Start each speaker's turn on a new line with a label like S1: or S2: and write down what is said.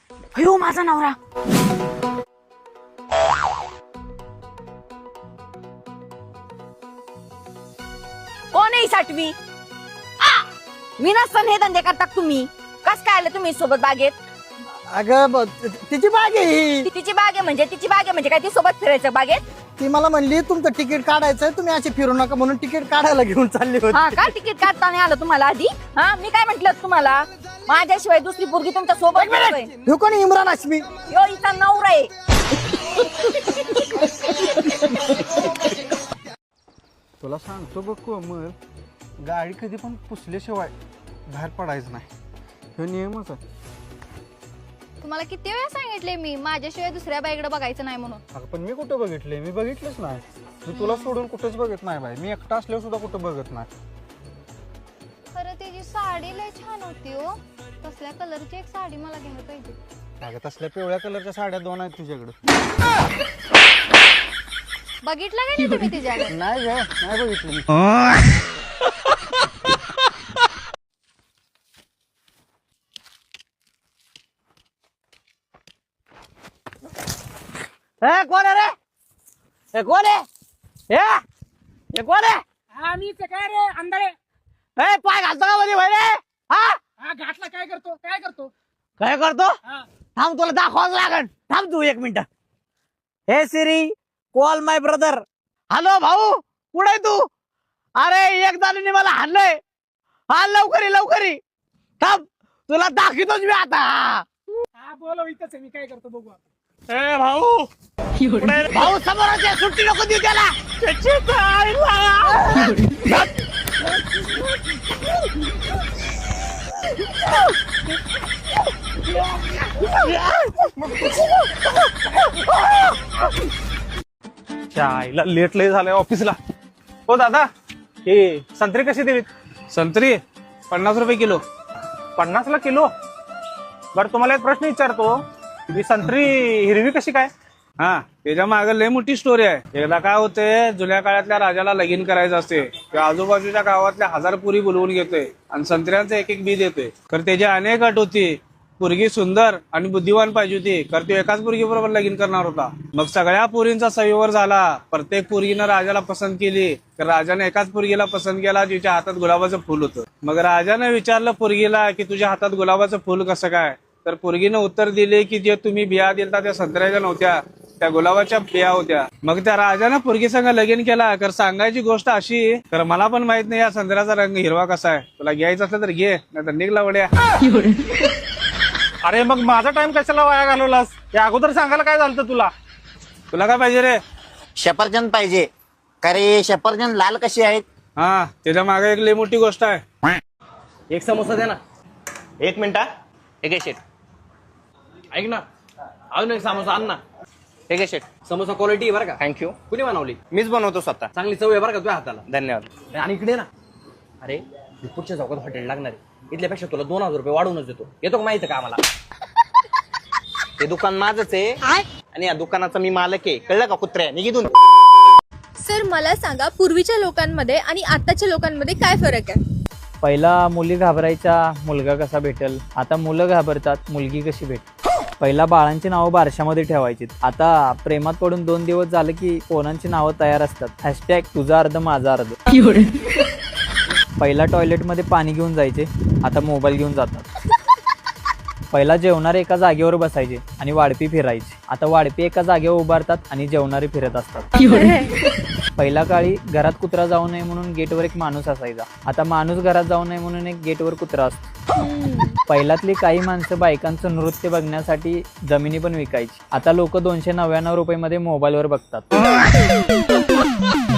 S1: अयो माझा नवरा. कोण आहे 6वी? मी नसताना हे धंदे करता तुम्ही. कस काय आलं तुम्ही सोबत बागेत?
S2: अगं तिची बाग आहे ही.
S1: तिची बाग आहे म्हणजे काय ती सोबत फिरायचं बागेत?
S2: ती मला म्हणली तुमचं तिकीट काढायचंय, तुम्ही अशी फिरू नका म्हणून तिकीट काढायला घेऊन चालली
S1: हा
S2: होती.
S1: का तिकीट काढता नाही आलं तुम्हाला आधी? हा मी काय म्हंटल तुम्हाला, माझ्याशिवाय दुसरी पोरगी तुमच्या सोबत नसते.
S2: हे कोण इम्रान हाशमी?
S1: यो इथं नवरा आहे.
S3: तुला सांगतो बघ कोमल, गाडी कधी पण पुसल्याशिवाय बाहेर पडायचं नाही, हे नियमच आहे.
S4: तुम्हाला किती वेळा सांगितले मी माझ्याशिवाय दुसऱ्या बाईकडे बघायचं नाही म्हणून.
S3: अगं पण मी कुठं बघितले? मी बघितलंच नाही. मी तुला सोडून कुठेच बघत नाही बाई. मी एकटा असल्यावर सुद्धा कुठं बघत नाही.
S4: खरं त्याची साडी लय छान होती हो. तसल्या कलरची एक साडी मला घ्यायला पाहिजे.
S3: अगं तसल्या पिवळ्या कलरच्या साड्या 2 आहेत तुझ्याकडे.
S4: बघितलं का नाही तुम्ही तिच्याकडे?
S3: नाही ग, नाही बघितलं मी.
S2: कोण आहे रे? कोण आहे? हे कोण आहे?
S5: आम्ही काय रे अंधारे
S2: पाय घालतो का मध्ये भाई रे?
S5: हा घातला काय करतो
S2: काय करतो?
S5: हा.
S2: थांब, तुला दाखवाच लागन. थांब तू 1 minute. Hey Siri, call my brother. Hello भाऊ, कुठे तू? अरे एक जणांनी मला हाणलंय. हा लवकर ये. थांब, तुला दाखवतोच मी आता.
S5: हा बोलव इथंच आहे, मी काय करतो बघू आपण.
S2: ए भाऊ, भाऊ समोरच्या सुट्टी नको देऊ त्याला. त्याची
S3: चायला लेट लय झालंय ऑफिसला. हो दादा, हे संत्री कशी देवीत? संत्री 50 रुपये किलो. 50 ला किलो? बरं तुम्हाला एक प्रश्न विचारतो, ही संत्री हिरवी कशी काय? हा, त्याच्या मागे लय मोठी स्टोरी आहे. एकदा काय होते, जुन्या काळातल्या राजाला लगीन करायचं असते, त्या आजूबाजूच्या गावातल्या 1000 पुरी बोलवून घेतोय आणि संत्र्यांचं एक बी देतोय. तर त्याची अनेक अट होती. पोरगी सुंदर आणि बुद्धिवान पाहिजे होती, तर तो एकाच पोरगी बरोबर लगीन करणार होता. मग सगळ्या पोरींचा संयवर झाला. प्रत्येक पोरगीनं राजाला पसंत केली, तर राजाने एकाच पोरगीला पसंत केला, तिच्या हातात गुलाबाचं फुल होतं. मग राजाने विचारलं पोरगीला की तुझ्या हातात गुलाबाचं फुल कसं काय? तर पोरगीनं उत्तर दिले की जे तुम्ही बिया दिलता त्या संत्र्याच्या नव्हत्या, त्या गुलाबाच्या बिया होत्या. मग त्या राजानं पोरगी संग लगीन केला. तर सांगायची गोष्ट अशी, तर मला पण माहित नाही या संत्र्याचा रंग हिरवा कसा आहे. तुला घ्यायचं असलं तर घे, नाही तर निघला वड्या. अरे मग माझा टाइम कशाला वाया घालवलास? या अगोदर सांगायला काय झालं तुला? तुला काय पाहिजे रे?
S6: सफरचंद पाहिजे. अरे सफरचंद लाल कशी आहेत?
S3: हा, त्याच्या मागे एक लई मोठी गोष्ट आहे.
S7: एक समोसा दे ना. 1 मिनिट. एक आहे शेट. ऐक ना, अजून एक समोसा आण ना.
S6: ठीक आहे शेट.
S7: समोसा क्वालिटी बरं का.
S6: थँक्यू.
S7: कुणी बनवली?
S6: मीच बनवतो स्वतः.
S7: चांगली चव आहे बरं का तुझ्या हाताला.
S6: धन्यवाद.
S7: आणि इकडे ना, अरे पुढच्या चौकात हॉटेल लागणार आहे. इथल्यापेक्षा तुला 2000 रुपये वाढवूनच देतो. येतो का माहिती का आम्हाला?
S6: ते दुकान माझंच आहे आणि या दुकानाचा मी मालक आहे, कळलं का कुत्र्या? निघून.
S4: सर मला सांगा, पूर्वीच्या लोकांमध्ये आणि आताच्या लोकांमध्ये काय फरक आहे?
S8: पहिला मुली घाबरायच्या, मुलगा कसा भेटेल. आता मुलं घाबरतात, मुलगी कशी भेटेल. पहिला बाळांची नावं बारशामध्ये ठेवायची. आता प्रेमात पडून 2 दिवस झालं की पोरांची नावं तयार असतात. हॅशटॅग तुझा अर्ध माझा अर्ध. पहिला टॉयलेटमध्ये पाणी घेऊन जायचे, आता मोबाईल घेऊन जातात. पहिला जेवणारे एका जागेवर बसायचे आणि वाढपी फिरायचे, आता वाढपी एका जागेवर उभारतात आणि जेवणारे फिरत असतात. पहिल्या काळी घरात कुत्रा जाऊ नये म्हणून गेटवर एक माणूस असायचा, आता माणूस घरात जाऊ नये म्हणून एक गेटवर कुत्रा असतो. पहिल्यातली काही माणसं बायकांचं नृत्य बघण्यासाठी जमिनी पण विकायची, आता लोक 299 रुपये मध्ये मोबाईलवर बघतात.